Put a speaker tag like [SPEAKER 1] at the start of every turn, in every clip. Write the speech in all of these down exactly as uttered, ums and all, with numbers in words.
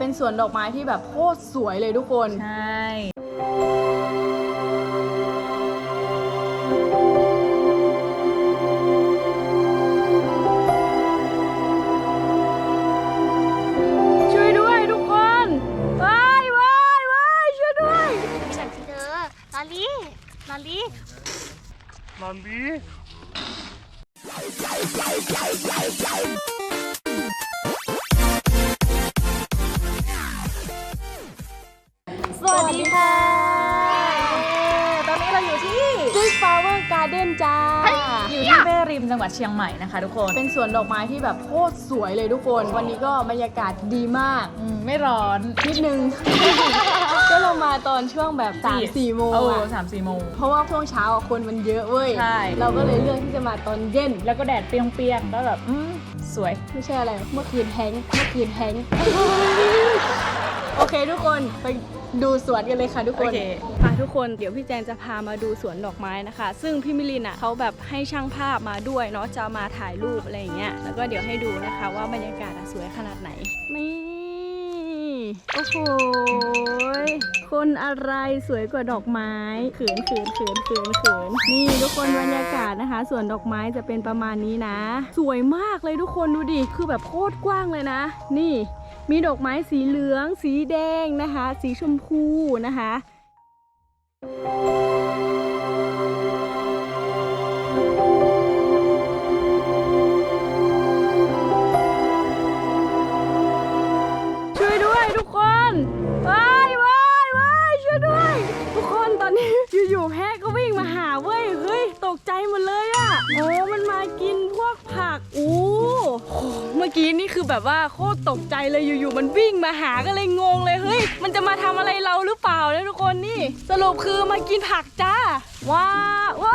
[SPEAKER 1] เป็นสวนดอกไม้ที่แบบโคตรสวยเลยทุกคน
[SPEAKER 2] ใช่
[SPEAKER 1] ช่วยด้วยทุกคนว้ายว้ายว้ายช่วยด้วย
[SPEAKER 3] มีกันสิเธอลอลี่ลอลี่
[SPEAKER 4] ลอลี่
[SPEAKER 2] สวัสดีค่ะตอนนี้เราอยู่ที่
[SPEAKER 1] Six Flower Garden จ้า
[SPEAKER 2] อยู่ที่แม่ริมจังหวัดเชียงใหม่นะคะทุกคน
[SPEAKER 1] เป็นสวนดอกไม้ที่แบบโคตรสวยเลยทุกคนวันนี้ก็บรรยากาศดีมาก
[SPEAKER 2] ไม่ร้อน
[SPEAKER 1] นิดนึง ก็เรามาตอนช่วงแบบสามสี่โมง
[SPEAKER 2] เออ
[SPEAKER 1] อะ
[SPEAKER 2] สามสี่โมง
[SPEAKER 1] เพราะว่าช่วงเช้าอะคนมันเยอะเว้ย
[SPEAKER 2] ใช่
[SPEAKER 1] เราก็เลยเลือกที่จะมาตอนเย็น
[SPEAKER 2] แล้วก็แดดเปรี้ยงๆก็แบบอืมสวย
[SPEAKER 1] ไม่ใช่อะไรเมื่อคืนแฮงค์เมื่อคืนแฮงค์ โอเคทุกคนไปดูสวนกันเลยค่ะทุกคน
[SPEAKER 2] โอเค
[SPEAKER 1] ค่ะทุกคนเดี๋ยวพี่แจนจะพามาดูสวนดอกไม้นะคะ ซึ่งพี่มิลินอ่ะเขาแบบให้ช่างภาพมาด้วยเนาะจะมาถ่ายรูปอะไรอย่างเงี้ยแล้วก็เดี๋ยวให้ดูนะคะว่าบรรยากาศสวยขนาดไหนนี่โอ้โหคนอะไรสวยกว่าดอกไม้เขินเขินเขินเขินเขินนี่ทุกคนบรรยากาศนะคะสวนดอกไม้จะเป็นประมาณนี้นะ สวยมากเลยทุกคนดูดิคือแบบโคตรกว้างเลยนะนี่มีดอกไม้สีเหลืองสีแดงนะคะสีชมพูนะคะช่วยด้วยทุกคนว้ายว้ายว้ายช่วยด้วยทุกคนตอนนี้อยู่ๆแพะก็วิ่งมาหาเว้ยเฮ้ยตกใจหมดเลยอะโอ้มันมากินพวกผักอู้เมื่อกี้นี่คือแบบว่าโคตรตกใจเลยอยู่ๆมันวิ่งมาหาก็เลยงงเลยเฮ้ยมันจะมาทำอะไรเราหรือเปล่าเนี่ยทุกคนนี่สรุปคือมากินผักจ้าว้าว้า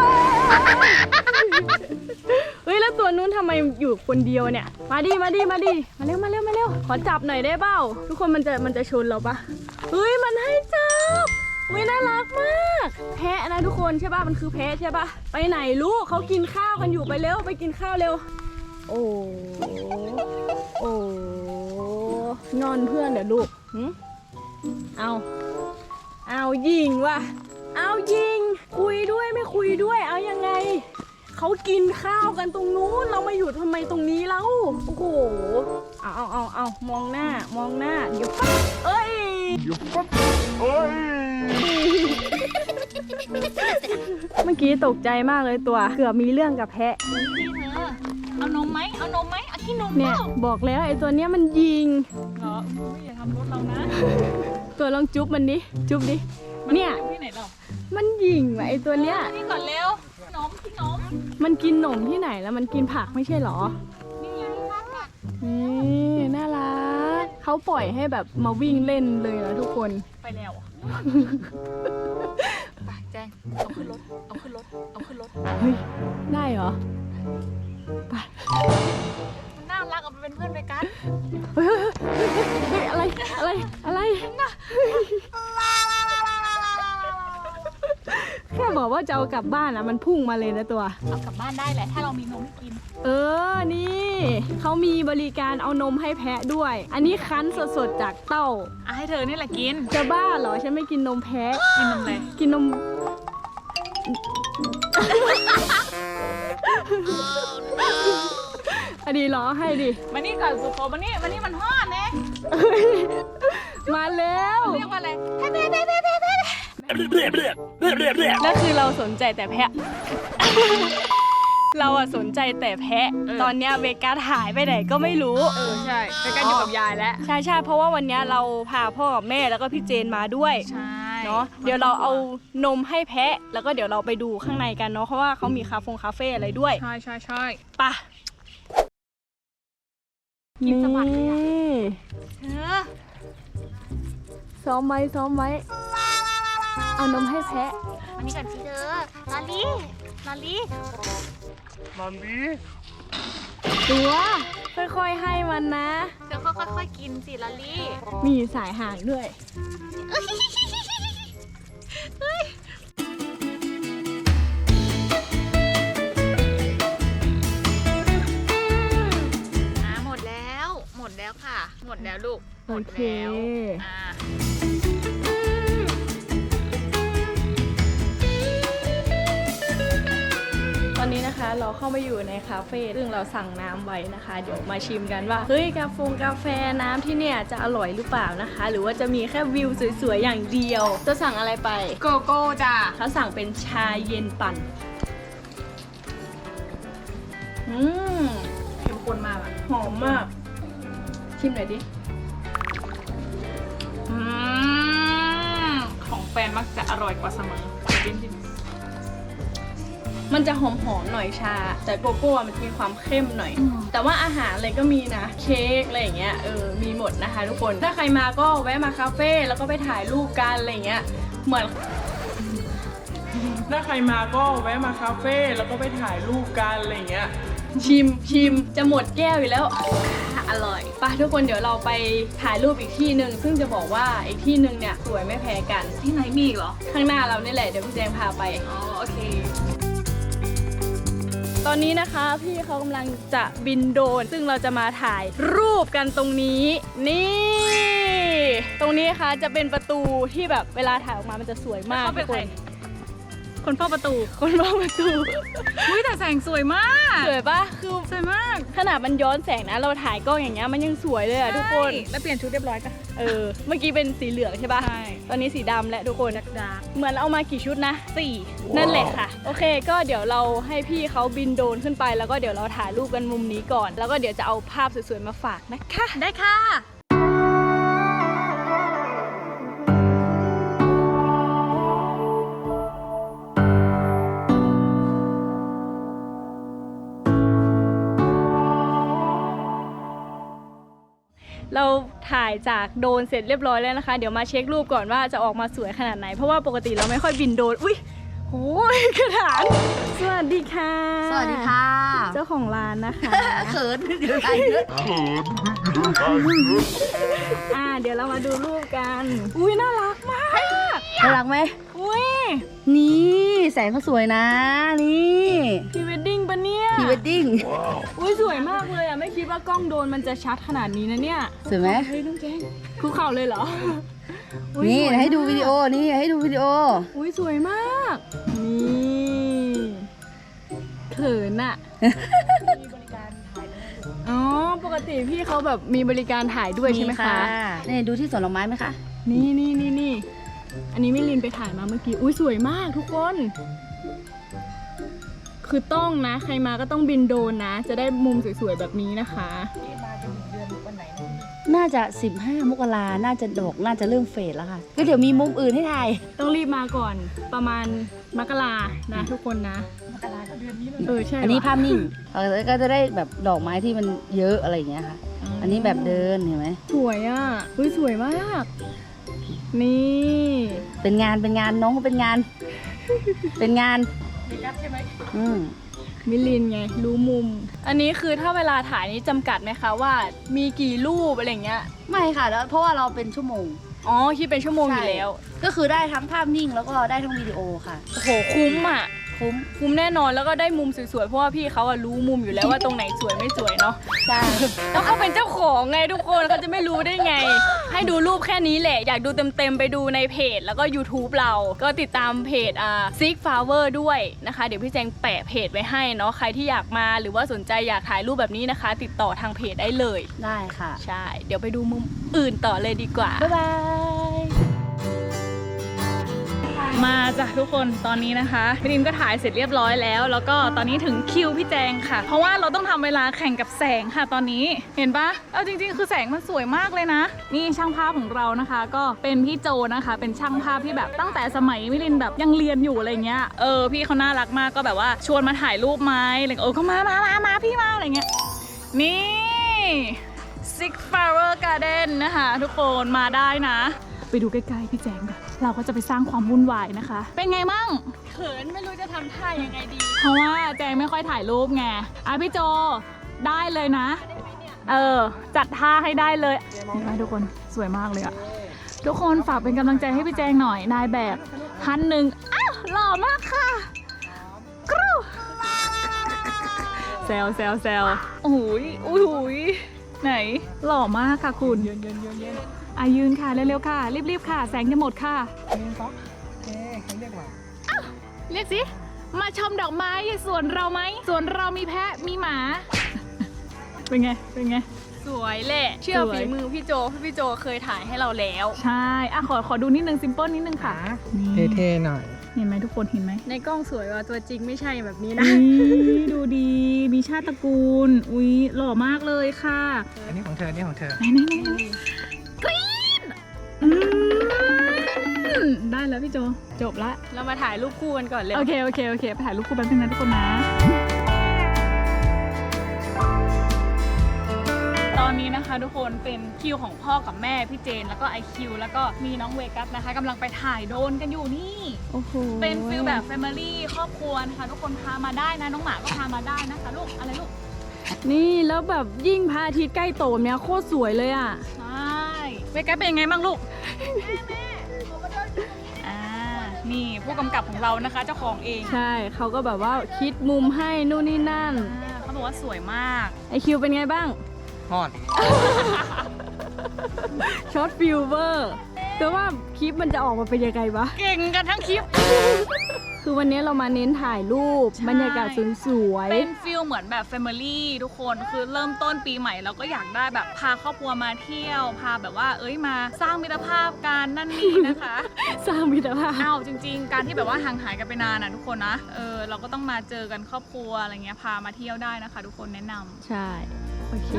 [SPEAKER 1] เฮ้ยแล้วตัวนู้นทำไมอยู่คนเดียวเนี่ยมาดิมาดิมาดิมาเร็วมาเร็วมาเร็วขอจับหน่อยได้เปล่าทุกคนมันจะมันจะชนเราปะเฮ้ยมันให้จับอุ้ยน่ารักมากแพะนะทุกคนใช่ป่ะมันคือแพะใช่ป่ะไปไหนลูกเขากินข้าวกันอยู่ไปเร็วไปกินข้าวเร็วโอ้โอ้งอนเพื่อนเดี๋ยวลูกหึเอาเอายิงว่ะเอายิงคุยด้วยไม่คุยด้วยเอายังไงเขากินข้าวกันตรงนู้นเรามาอยู่ทำไมตรงนี้แล้วโอ้โหเอาเอาเอาเอามองหน้ามองหน้าเดี๋ยวปั๊บเอ้ย
[SPEAKER 4] เดี๋ยวปั๊บเอ้ย
[SPEAKER 1] เมื่อกี้ตกใจมากเลยตัวเกือบมีเรื่องกับแพะ
[SPEAKER 2] นี่เธอเอานมไหมเอานมไหมเอาที่นม
[SPEAKER 1] เนี่ยบอกแล้วไอ้ตัวเนี้ยมันยิง
[SPEAKER 2] เหรออย่าทำรถเรานะ
[SPEAKER 1] ตัวลองจุ๊บมันดิจุ๊บดิเนี่ย
[SPEAKER 2] ที่ไหนหรอ
[SPEAKER 1] มันยิงว่ะไอ้ตัวเนี้ย
[SPEAKER 2] นี่ก่อนเร็ว นมที่นม
[SPEAKER 1] มันกินหนมที่ไหนแล้วมันกินผักไม่ใช่หรอ
[SPEAKER 2] นี่ไงร้านผัก
[SPEAKER 1] นี่น่ารักเขาปล่อยให้แบบมาวิ่งเล่นเลยนะทุกคน
[SPEAKER 2] ไปแล้วไปแจ้งเอาขึ้นรถเอาขึ้นรถเอาขึ้นรถ
[SPEAKER 1] เฮ้ยได้เหรอไป
[SPEAKER 2] มันน่ารักเอาไปเป็นเพื่อนไปกัน
[SPEAKER 1] เฮ้ยเฮ้ยเฮ้ยอะไรอะไรอะไรแค่บอกว่าจะเอากลับบ้านอะมันพุ่งมาเลยนะตัว
[SPEAKER 2] เอากลับบ้านได้แหละถ้าเรามีนมให้กิน
[SPEAKER 1] เออนี่เขามีบริการเอานมให้แพะด้วย อันนี้คั้นสดๆจากเต้า
[SPEAKER 2] อ่ะให้เธอนี่แหละกิน
[SPEAKER 1] จะบ้าเหรอฉันไม่กินนมแพะ
[SPEAKER 2] กินนมอะไร
[SPEAKER 1] กินนมอันนี้รอให้ดิ
[SPEAKER 2] มานี่ก่อนสุโขมานี่มานี่มันฮอดนะ
[SPEAKER 1] มาแล้ว
[SPEAKER 2] เรียกว่าอะไรแพ้แพ้แพ้แพ้แพ้แพ้
[SPEAKER 1] นั่นคือเราสนใจแต่แพะ เราอะสนใจแต่แพะ ตอนเนี้ยเวกัสหายไปไหนก็ไม่รู้
[SPEAKER 2] เออใช่ไปกันอยู่กับยายแล้ว
[SPEAKER 1] ใช่ใช่เพราะว่าวันเนี้ยเราพาพ่อกับแม่แล้วก็พี่เจนมาด้วย
[SPEAKER 2] ใช่
[SPEAKER 1] เนาะเดี๋ยวเราเอานมให้แพะ แล้วก็เดี๋ยวเราไปดูข้างในกันเนาะเพราะว่าเขามีคาเฟ่คาเฟ่อะไรด้วย
[SPEAKER 2] ใช่ใช่ใช่
[SPEAKER 1] ปะ
[SPEAKER 2] กินสะบัดเลยอะ เธอ
[SPEAKER 1] ซ้อมไว้ซ้อมไว้เอานมให้แพะ
[SPEAKER 3] มานี่กันสิเธอลอลี่ลอลี่
[SPEAKER 4] ลอลี่
[SPEAKER 1] ตัวค่อยๆให้มันนะ
[SPEAKER 3] เธอค่อยๆกินสิลอลี่
[SPEAKER 1] มีสายห่างด้วย
[SPEAKER 3] อ่ะหมดแล้วหมดแล้วค่ะ หมดแล้วลูก
[SPEAKER 1] โอเค
[SPEAKER 2] อ่า
[SPEAKER 1] ตอนนี้นะคะเราเข้ามาอยู่ในคาเฟ่ซึ่งเราสั่งน้ำไว้นะคะ เดี๋ยวมาชิมกันว่าเฮ้ยกาแฟกาแฟน้ำที่เนี่ยจะอร่อยหรือเปล่านะคะ หรือว่าจะมีแค่วิวสวยๆอย่างเดียว จะสั่งอะไรไป
[SPEAKER 2] โกโก้จ้ะ
[SPEAKER 1] เขาสั่งเป็นชาเย็นปั่นอืม
[SPEAKER 2] เข้มข้นมากอ่ะ
[SPEAKER 1] หอมมาก ชิมหน่อยดิ
[SPEAKER 2] อืมของแฟนมักจะอร่อยกว่าเสมอจริง
[SPEAKER 1] มันจะหอมๆหน่อยชา แต่โกโก้มันมีความเข้มหน่อย แต่ว่าอาหารอะไรก็มีนะ เค้กอะไรอย่างเงี้ยเออมีหมดนะคะทุกคน ถ้าใครมาก็แวะมาคาเฟ่แล้วก็ไปถ่ายรูปกันอะไรอย่างเงี้ยเหมือน ถ้าใครมาก็แวะมาคาเฟ่แล้วก็ไปถ่ายรูปกันอะไรอย่างเงี้ยชิมชิมจะหมดแก้วอยู่แล้วอร่อยไปทุกคนเดี๋ยวเราไปถ่ายรูปอีกที่หนึ่งซึ่งจะบอกว่าอีกที่หนึ่งเนี่ยสวยไม่แพ้กัน
[SPEAKER 2] ๆที่ไหนมีอีกเหรอ
[SPEAKER 1] ข้างหน้าเรานี่แหละเดี๋ยวพี่แจงพาไป
[SPEAKER 2] อ๋อโอเค
[SPEAKER 1] ตอนนี้นะคะพี่เขากำลังจะบินโดรนซึ่งเราจะมาถ่ายรูปกันตรงนี้ นี่ ตรงนี้นะคะจะเป็นประตูที่แบบเวลาถ่ายออกมามันจะสวยมาก
[SPEAKER 2] เขาเป็น
[SPEAKER 1] ทุก
[SPEAKER 2] ใค
[SPEAKER 1] ค
[SPEAKER 2] ร
[SPEAKER 1] น
[SPEAKER 2] คนเฝ้าประตู
[SPEAKER 1] คนรอบประตู
[SPEAKER 2] อุ้ยแต่แสงสวยมาก
[SPEAKER 1] สวยปะคือ
[SPEAKER 2] สวยมาก
[SPEAKER 1] ขนาดมันย้อนแสงนะเราถ่ายกล้องอย่างเงี้ยมันยังสวยเลยอะทุกคน
[SPEAKER 2] ใช่แล้วเปลี่ยนชุดเรียบร้อยจ้ะ
[SPEAKER 1] เออเมื่อกี้เป็นสีเหลืองใช่ปะ
[SPEAKER 2] ใช่
[SPEAKER 1] ตอนนี้สีดำและทุกคน
[SPEAKER 2] ดาร์ก
[SPEAKER 1] เหมือนเอามากี่ชุดนะสี่นั่นแหละค่ะ โอเค ก็เดี๋ยวเราให้พี่เขาบินโดรนขึ้นไปแล้วก็เดี๋ยวเราถ่ายรูปกันมุมนี้ก่อน แล้วก็เดี๋ยวจะเอาภาพสวยๆมาฝากนะคะ
[SPEAKER 2] ได้ค่ะ
[SPEAKER 1] เราถ่ายจากโดรนเสร็จเรียบร้อยแล้วนะคะ เดี๋ยวมาเช็ครูปก่อนว่าจะออกมาสวยขนาดไหน เพราะว่าปกติเราไม่ค่อยบินโดรน อุ้ยโอ้ยกระถางสวัสดีค่ะ
[SPEAKER 3] สวัสดีค่ะ
[SPEAKER 1] เจ้าของร้านนะคะ
[SPEAKER 3] เขินเดี๋ยวอะไรเยอะ
[SPEAKER 1] อ่า เดี๋ยวเรามาดูรูปกัน อุ้ยน่ารักมาก
[SPEAKER 3] น่ารักไหม
[SPEAKER 1] อุ้ย
[SPEAKER 3] นี่แสงเขาสวยนะ นี่
[SPEAKER 1] พรีเวดดิ้งปะเนี่ย
[SPEAKER 3] พรีเวดดิ้ง
[SPEAKER 1] อุ้ยสวยมากเลยอ่ะ ไม่คิดว่ากล้องโดรนมันจะชัดขนาดนี้นะเนี่ย
[SPEAKER 3] สวยไหม
[SPEAKER 1] เฮ้ยน้องแจงคุกเข่าเลยเหรออุ๊ย
[SPEAKER 3] นี่
[SPEAKER 1] สวยมาก
[SPEAKER 3] ให้ดูวิดีโอ นี่ให้ดูวิดีโอ
[SPEAKER 1] อุ้ยสวยมาก นี่เขินอะอ๋อ ปกติพี่เขาแบบมีบริการถ่ายด้วยใช่ไหมคะ
[SPEAKER 3] นี่ดูที่สวนดอกไม้ไหมคะ
[SPEAKER 1] นี่นี่นี่นี่อันนี้มิลินไปถ่ายมาเมื่อกี้ อุ้ยสวยมากทุกคน คือต้องนะ ใครมาก็ต้องบินโดรนนะ จะได้มุมสวยๆแบบนี้นะคะ
[SPEAKER 3] น่าจะสิบห้ามกราน่าจะดอกน่าจะเริ่มเฟดแล้วค่ะ ก็เดี๋ยวมีมุมอื่นให้ถ่าย
[SPEAKER 1] ต้องรีบมาก่อนประมาณมกรานะทุกคนนะมกราเดือนนี้เลยเออใช่
[SPEAKER 3] อันนี้
[SPEAKER 1] ว่ะ
[SPEAKER 3] ภาพนิ่งเออก็จะได้แบบดอกไม้ที่มันเยอะอะไรอย่างเงี้ยค่ะ อันนี้แบบเดินเห็นไหม
[SPEAKER 1] สวยอ่ะอุ้ยสวยมาก นี่
[SPEAKER 3] เป็นงานเป็นงานน้องก็เป็นงาน เป็นงานอืม
[SPEAKER 1] มิลินไงรู้มุม อันนี้คือถ้าเวลาถ่ายนี้จำกัดไหมคะว่ามีกี่รูปอะไรเงี้ย
[SPEAKER 3] ไม่ค่ะแล้วเพราะว่าเราเป็นชั่วโมง
[SPEAKER 1] อ๋อคิดเป็นชั่วโมงอยู่แล้ว
[SPEAKER 3] ก็คือได้ทั้งภาพนิ่งแล้วก็ได้ทั้งวิดีโอค่ะ
[SPEAKER 1] โอ้โหคุ้มอ่ะ
[SPEAKER 3] คุ้ม
[SPEAKER 1] คุ้มแน่นอนแล้วก็ได้มุมสวยๆเพราะว่าพี่เขาอะรู้มุมอยู่แล้วว่าตรงไหนสวยไม่สวยเนาะ
[SPEAKER 3] ใช่
[SPEAKER 1] แล้วเขาเป็นเจ้าของไงทุกคนเขาจะไม่รู้ได้ไง ให้ดูรูปแค่นี้แหละ อยากดูเต็มๆไปดูในเพจแล้วก็ YouTube เราก็ติดตามเพจอ่า Seek Flower ด้วยนะคะ เดี๋ยวพี่แจงแปะเพจไว้ให้เนาะใครที่อยากมาหรือว่าสนใจอยากถ่ายรูปแบบนี้นะคะ ติดต่อทางเพจได้เลย
[SPEAKER 3] ได้ค่ะ
[SPEAKER 1] ใช่ เดี๋ยวไปดูมุมอื่นต่อเลยดีกว่า
[SPEAKER 3] บ๊ายบาย
[SPEAKER 2] มาจ้ะทุกคนตอนนี้นะคะพี่ดินก็ถ่ายเสร็จเรียบร้อยแล้ว แล้วก็ตอนนี้ถึงคิวพี่แจงค่ะ เพราะว่าเราต้องทำเวลาแข่งกับแสงค่ะตอนนี้เห็นปะเอาจริงๆคือแสงมันสวยมากเลยนะ นี่ช่างภาพของเรานะคะ ก็เป็นพี่โจนะคะ เป็นช่างภาพที่แบบตั้งแต่สมัยมิลินแบบยังเรียนอยู่อะไรเงี้ยเออพี่เขาน่ารักมากก็แบบว่าชวนมาถ่ายรูปไหมอะไรเออก็มามามามาพี่มาอะไรเงี้ยนี่ Six Flower Garden นะคะทุกคนมาได้นะไปดูใกล้ๆพี่แจงกันเราก็จะไปสร้างความวุ่นวายนะคะ เป็นไงมั่ง
[SPEAKER 1] เขินไม่รู้จะทำท่ายังไงดี
[SPEAKER 2] เพราะว่าแจงไม่ค่อยถ่ายรูปไงอ่ะพี่โจได้เลยนะ เออจัดท่าให้ได้เลยเห็นไหมทุกคนสวยมากเลยอะทุกคนฝากเป็นกำลังใจให้พี่แจงหน่อยนายแบบฮันหนึ่งอ้าวหล่อมากค่ะกรูแซวแซวแซวโอ้โหโอ้โหไหนหล่อมากค่ะคุณยืนยืนยืนยืนอ่ะยืนค่ะเร็วๆค่ะรีบๆค่ะแสงจะหมดค่ะ
[SPEAKER 5] นี่ก็เอ๊ะเขาเรียกว่า
[SPEAKER 2] เรียกสิมาชมดอกไม้สวนเราไหมสวนเรามีแพะมีหมา เป็นไงเป็นไง
[SPEAKER 1] สวยแหละเชื่อ
[SPEAKER 2] สวย
[SPEAKER 1] ฝีมือพี่โจพี่โจเคยถ่ายให้เราแล้ว
[SPEAKER 2] ใช่อ่ะขอขอดูนิดนึงซิมเปิลนิดนึงค่ะนี่
[SPEAKER 5] เท่ๆหน่อย
[SPEAKER 2] เห็นไหมทุกคนเห็นไหม
[SPEAKER 1] ในกล้องสวยว่าตัวจริงไม่ใช่แบบนี้นะ
[SPEAKER 2] อุ๊ยดูดีมีชาติตระกูลอุ๊ยหล่อมากเลยค่ะ
[SPEAKER 5] อันนี้ของเธออันนี้ของเธอ
[SPEAKER 2] ไหนไหนไหนไหนกรี๊ดอืมได้แล้วพี่โจจบละ
[SPEAKER 1] เรามาถ่ายรูปคู่กันก่อนเลย
[SPEAKER 2] โอเคโอเคโอเคไปถ่ายรูปคู่แป๊บนึงนะทุกคนนะ ตอนนี้นะคะทุกคนเป็นคิวของพ่อกับแม่พี่เจนแล้วก็ไอคิวแล้วก็มีน้องเวกัสนะคะกำลังไปถ่ายโดรนกันอยู่นี่
[SPEAKER 1] โอ้โห
[SPEAKER 2] เป็นฟิลแบบแฟมิลี่ครอบครัวนะคะทุกคนพามาได้นะน้องหมาก็พามาได้นะคะลูกอะไรลูก
[SPEAKER 1] นี่แล้วแบบยิ่งพระอาทิตย์ใกล้โตเนี่ยโคตรสวยเลยอ่ะ
[SPEAKER 2] ใช่เวกัสเป็นยังไงบ้างลูกอ่านี่ผู้กำกับของเรานะคะเจ้าของเอง
[SPEAKER 1] ใช่เขาก็แบบว่าคิดมุมให้นู่นนี่นั่น
[SPEAKER 2] อ่าเขาบอกว่าสวยมาก
[SPEAKER 1] ไอคิวเป็นไงบ้าง
[SPEAKER 5] ฮอด
[SPEAKER 1] ช็อตฟิลเวอร์แต่ว่าคลิปมันจะออกมาเป็นยังไงวะ
[SPEAKER 2] เก่งกันทั้งคลิป
[SPEAKER 1] คือวันนี้เรามาเน้นถ่ายรูป
[SPEAKER 2] ใช่
[SPEAKER 1] บรรยากาศสวย
[SPEAKER 2] เป็นฟิลเหมือนแบบแฟมิลี่ทุกคนคือเริ่มต้นปีใหม่เราก็อยากได้แบบพาครอบครัวมาเที่ยวพาแบบว่า เอ้ยมาสร้างมิตรภาพกันนั่นนี่นะคะ
[SPEAKER 1] ๆ สร้างมิตรภาพ
[SPEAKER 2] อ้าวจริง ๆ การที่แบบว่าห่างหายกันไปนานนะทุกคนนะเออเราก็ต้องมาเจอกันครอบครัวอะไรเงี้ยพามาเที่ยวได้นะคะ ทุกคนแนะนำ
[SPEAKER 1] ใช่ โอเค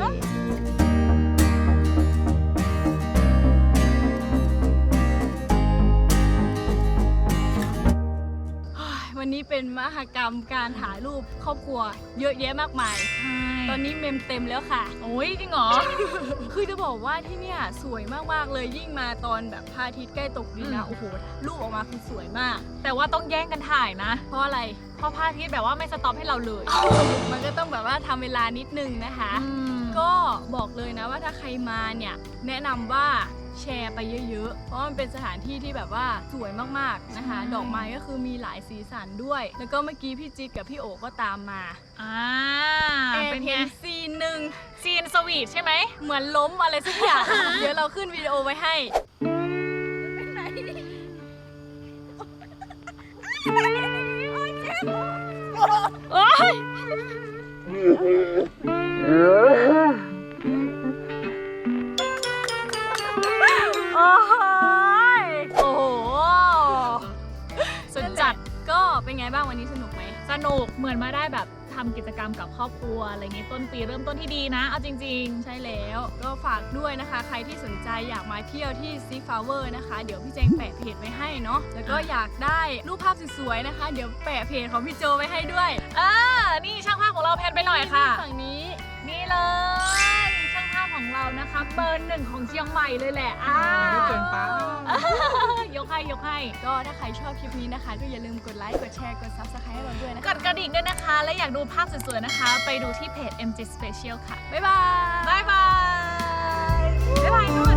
[SPEAKER 1] วันนี้เป็นมหกรรมการถ่ายรูปครอบครัวเยอะแยะมากมาย
[SPEAKER 2] ใช่
[SPEAKER 1] ตอนนี้เมมเต็มแล้วค่ะ
[SPEAKER 2] โอ้ยจริงเหรอ
[SPEAKER 1] คือจะบอกว่าที่เนี่ยสวยมากๆเลยยิ่งมาตอนแบบพระอาทิตย์ใกล้ตกดินนะ
[SPEAKER 2] อืม
[SPEAKER 1] โอ้โหรูปออกมาคือสวยมาก
[SPEAKER 2] แต่ว่าต้องแย่งกันถ่ายนะ
[SPEAKER 1] เพราะอะไร
[SPEAKER 2] เพราะพระอาทิตย์แบบว่าไม่สต็อปให้เราเลย
[SPEAKER 1] มันก็ต้องแบบว่าทำเวลานิดนึงนะคะ
[SPEAKER 2] อืม
[SPEAKER 1] ก็บอกเลยนะว่าถ้าใครมาเนี่ยแนะนำว่าแชร์ไปเยอะๆ เพราะมันเป็นสถานที่ที่แบบว่าสวยมากๆนะคะ ดอกไม้ก็คือมีหลายสีสันด้วย แล้วก็เมื่อกี้พี่จิ๊ดกับพี่โอก็ตามมา
[SPEAKER 2] อ่า
[SPEAKER 1] แอบ
[SPEAKER 2] เป็นไง
[SPEAKER 1] เห็นซีนหนึ่ง
[SPEAKER 2] ซีนสวีทใช่ไหม
[SPEAKER 1] เหมือนล้มอะไรสักอย่าง เดี๋ยวเราขึ้นวิดีโอไว้ให้
[SPEAKER 2] โอ๊ย
[SPEAKER 1] โอ้โหยโอ้โห สุดจัดก็เป็นไงบ้างวันนี้สนุกไหม
[SPEAKER 2] สนุกเหมือนมาได้แบบทำกิจกรรมกับครอบครัวอะไรเงี้ยต้นปีเริ่มต้นที่ดีนะ เอาจริง
[SPEAKER 1] ใช่แล้วก็ฝากด้วยนะคะ ใครที่สนใจอยากมาเที่ยวที่ซีฟลาเวอร์นะคะ เดี๋ยวพี่แจงแปะเพจไว้ให้เนาะแล้วก็อยากได้รูปภาพสวยๆนะคะ เดี๋ยวแปะเพจของพี่โจไว้ให้ด้วย
[SPEAKER 2] ๆอ่านี่ช่างภาพของเราแพนไปหน่อยค่ะ
[SPEAKER 1] ฝั่งนี้
[SPEAKER 2] นี่เลยช่างภาพของเรานะคะเบอร์หนึ่งของเชียงใหม่เลยแหละอ้า
[SPEAKER 5] ไม่เกินไป
[SPEAKER 2] ยกให้ยกให้
[SPEAKER 1] ก็ถ้าใครชอบคลิปนี้นะคะ ก็อย่าลืมกดไลค์กดแชร์กด ซับสไครบ์ ให้เราด้วยนะ
[SPEAKER 2] ก
[SPEAKER 1] คะ
[SPEAKER 2] ดกระดิ่งด้วยนะคะ และอยากดูภาพสวยๆนะคะ ไปดูที่เพจ เอ็ม จี Special ค่ะ
[SPEAKER 1] บ๊ายบาย
[SPEAKER 2] บ๊ายบายบ๊ายบายด้วย